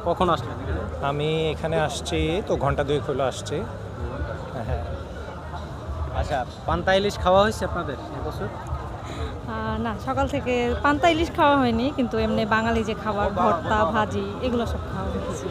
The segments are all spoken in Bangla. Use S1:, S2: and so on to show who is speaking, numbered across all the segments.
S1: কখন আসলেন এখানে?
S2: আমি এখানে আসছি তো ঘন্টা 2 হলো আসছি। হ্যাঁ।
S1: আচ্ছা, পান্তা ইলিশ খাওয়া হয়েছে আপনাদের এবছর?
S3: না, সকাল থেকে পান্তা ইলিশ খাওয়া হয়নি, কিন্তু এমনি বাঙালি যে খাবার ভর্তা ভাজি এগুলো সব খাওয়া হয়েছে।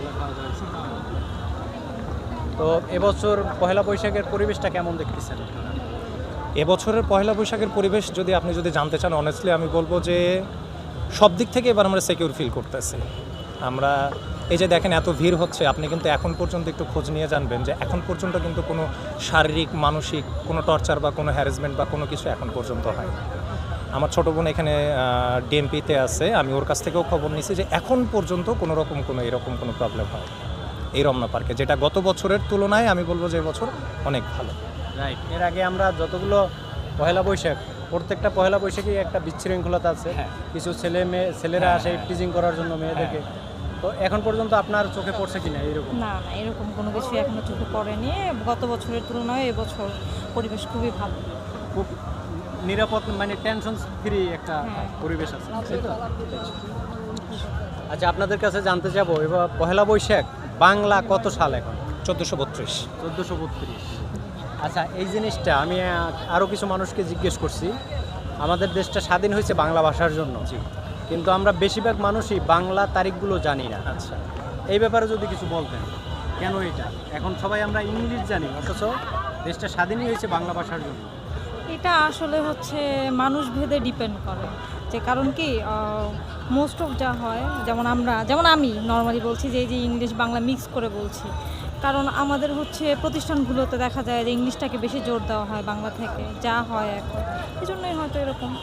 S1: তো এবছর পহেলা বৈশাখের পরিবেশটা কেমন দেখতেছেন?
S2: এবছরের পহেলা বৈশাখের পরিবেশ আপনি যদি জানতে চান, অনেস্টলি আমি বলবো যে সব দিক থেকে এবার আমরা সিকিউর ফিল করতেছি। আমরা এই যে দেখেন এত ভিড় হচ্ছে, আপনি কিন্তু এখন পর্যন্ত একটু খোঁজ নিয়ে জানবেন যে এখন পর্যন্ত কিন্তু কোনো শারীরিক মানসিক কোনো টর্চার বা কোনো হ্যারাসমেন্ট বা কোনো কিছু এখন পর্যন্ত হয়। আমার ছোটো বোন এখানে ডিএমপিতে আছে, আমি ওর কাছ থেকেও খবর নিয়েছি যে এখন পর্যন্ত কোনো রকম এরকম কোনো প্রবলেম হয় এই রমনা পার্কে, যেটা গত বছরের তুলনায় আমি বলবো যে এবছর অনেক ভালো।
S1: রাইট, এর আগে আমরা যতগুলো পহেলা বৈশাখ, প্রত্যেকটা পহেলা বৈশাখে একটা বিশৃঙ্খলতা আছে। কিছু ছেলেরা আসে টিজিং করার জন্য মেয়েদেরকে। তো এখন পর্যন্ত আপনার চোখে পড়ছে কিনা এরকম?
S3: না, এরকম কোনো কিছু এখনো চোখে পড়েনি। গত বছরের তুলনায় এবছর পরিবেশ খুবই ভালো,
S1: খুব নিরাপদ, মানে টেনশন ফ্রি একটা পরিবেশ আছে, তাই তো? আচ্ছা, আপনাদের কাছে জানতে চাবো এবার পহেলা বৈশাখ বাংলা কত সাল এখন?
S2: 1432।
S1: 1432। আচ্ছা, এই জিনিসটা আমি আরও কিছু মানুষকে জিজ্ঞেস করছি। আমাদের দেশটা স্বাধীন হয়েছে বাংলা ভাষার জন্য, কিন্তু আমরা বেশিরভাগ মানুষই বাংলা তারিখগুলো জানি না।
S2: আচ্ছা,
S1: এই ব্যাপারে যদি কিছু বলতেন, কেন এটা? এখন সবাই আমরা ইংলিশ জানি, অথচ দেশটা স্বাধীনই হয়েছে বাংলা ভাষার জন্য।
S3: এটা আসলে হচ্ছে মানুষ ভেদে ডিপেন্ড করে, যে কারণ কি মোস্ট অফ যা হয়, যেমন আমি নর্মালি বলছি যে এই যে ইংলিশ বাংলা মিক্স করে বলছি, কারণ আমাদের হচ্ছে প্রতিষ্ঠানগুলোতে দেখা যায় যে ইংলিশটাকে বেশি জোর দেওয়া হয় বাংলা থেকে, যা হয় এখন, এই জন্যই হয়তো এরকম।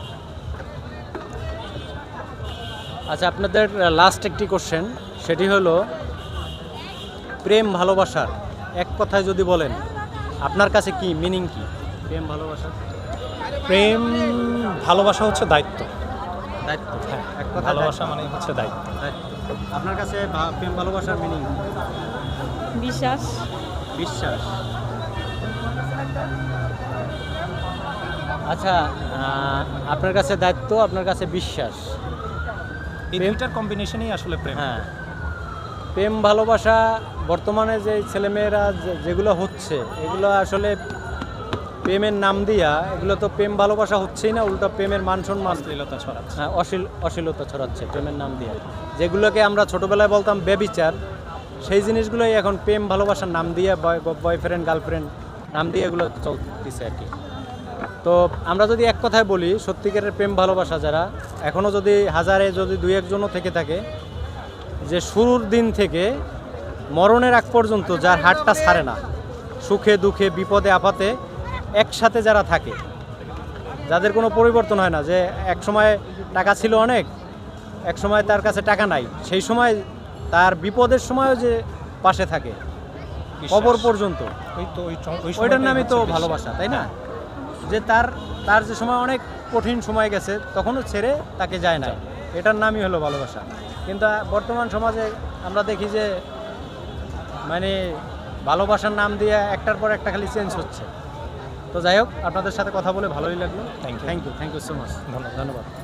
S1: আচ্ছা, আপনাদের লাস্ট একটি কোশ্চেন, সেটি হলো প্রেম ভালোবাসার এক কথায় যদি বলেন, আপনার কাছে কি মিনিং কি প্রেম ভালোবাসা?
S2: প্রেম ভালোবাসা হচ্ছে দায়িত্ব।
S1: দায়িত্ব,
S2: হ্যাঁ,
S1: এক কথা
S2: ভালোবাসা মানে হচ্ছে দায়িত্ব।
S1: আপনার কাছে প্রেম ভালোবাসার মিনিং?
S3: বিশ্বাস।
S1: বিশ্বাস। আচ্ছা, আপনার কাছে দায়িত্ব, আপনার কাছে বিশ্বাস,
S2: এই দুইটার কম্বিনেশনই আসলে প্রেম।
S1: হ্যাঁ। প্রেম ভালোবাসা বর্তমানে যে ছেলেমেয়েরা যেগুলো হচ্ছে, এগুলো আসলে প্রেমের নাম দিয়া, এগুলো তো প্রেম ভালোবাসা হচ্ছেই না, উল্টো প্রেমের মান সম্মান,
S2: অশ্লীলতা ছড়াচ্ছে।
S1: হ্যাঁ, অশ্লীলতা ছড়াচ্ছে প্রেমের নাম দিয়ে। যেগুলোকে আমরা ছোটোবেলায় বলতাম বেবিচার, সেই জিনিসগুলোই এখন প্রেম ভালোবাসার নাম দিয়ে, বয়ফ্রেন্ড গার্লফ্রেন্ড নাম দিয়ে এগুলো চলতেছে আর কি। তো আমরা যদি এক কথায় বলি, সত্যিকারের প্রেম ভালোবাসা যারা এখনও যদি হাজারে যদি 2-1জনও থেকে থাকে, যে শুরুর দিন থেকে মরণের আগ পর্যন্ত যার হাতটা ছাড়ে না, সুখে দুঃখে বিপদে আপদে একসাথে যারা থাকে, যাদের কোনো পরিবর্তন হয় না, যে এক সময় টাকা ছিল অনেক, এক সময় তার কাছে টাকা নাই, সেই সময় তার বিপদের সময়ও যে পাশে থাকে কবর পর্যন্ত, ওইটার নামই তো ভালোবাসা, তাই না? যে তার যে সময় অনেক কঠিন সময় গেছে, তখনও ছেড়ে তাকে যায় না, এটার নামই হলো ভালোবাসা। কিন্তু বর্তমান সমাজে আমরা দেখি যে মানে ভালোবাসার নাম দিয়ে একটার পর একটা খালি চেঞ্জ হচ্ছে। তো যাই হোক, আপনাদের সাথে কথা বলে ভালোই লাগলো।
S2: Thank you
S1: so much.
S2: ধন্যবাদ।